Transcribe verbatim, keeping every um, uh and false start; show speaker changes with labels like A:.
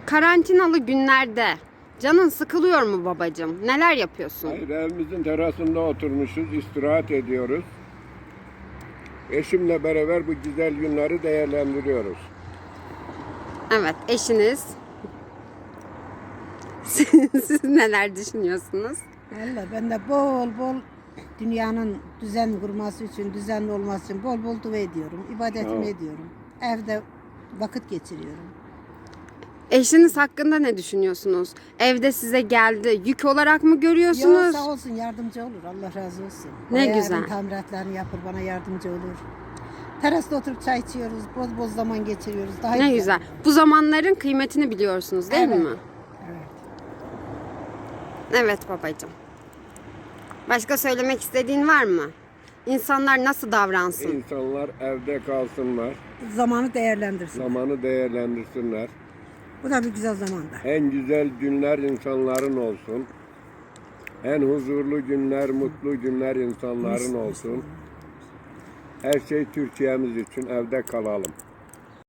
A: Karantinalı günlerde canın sıkılıyor mu babacığım? Neler yapıyorsun?
B: Hayır, evimizin terasında oturmuşuz, istirahat ediyoruz. Eşimle beraber bu güzel günleri değerlendiriyoruz.
A: Evet, eşiniz. Siz, siz neler düşünüyorsunuz?
C: Valla ben de bol bol dünyanın düzen kurması için, düzenli olması için bol bol dua ediyorum. İbadetimi
B: Tamam.
C: ediyorum. Evde vakit geçiriyorum.
A: Eşiniz hakkında ne düşünüyorsunuz? Evde size geldi. Yük olarak mı görüyorsunuz?
C: Yok, sağ olsun, yardımcı olur. Allah razı olsun.
A: Ne
C: Bayağı
A: güzel.
C: evin tamiratlarını yapır, bana yardımcı olur. Terasta oturup çay içiyoruz, boz boz zaman geçiriyoruz. Daha
A: Ne güzel. Bu zamanların kıymetini biliyorsunuz değil
C: Evet.
A: mi?
C: Evet.
A: Evet babacığım. Başka söylemek istediğin var mı? İnsanlar nasıl davransın?
B: İnsanlar evde kalsınlar,
C: Zamanı değerlendirsin.
B: zamanı değerlendirsinler.
C: Bu da bir güzel zamanda.
B: En güzel günler insanların olsun. En huzurlu günler, mutlu günler insanların olsun. Her şey Türkiye'miz için evde kalalım.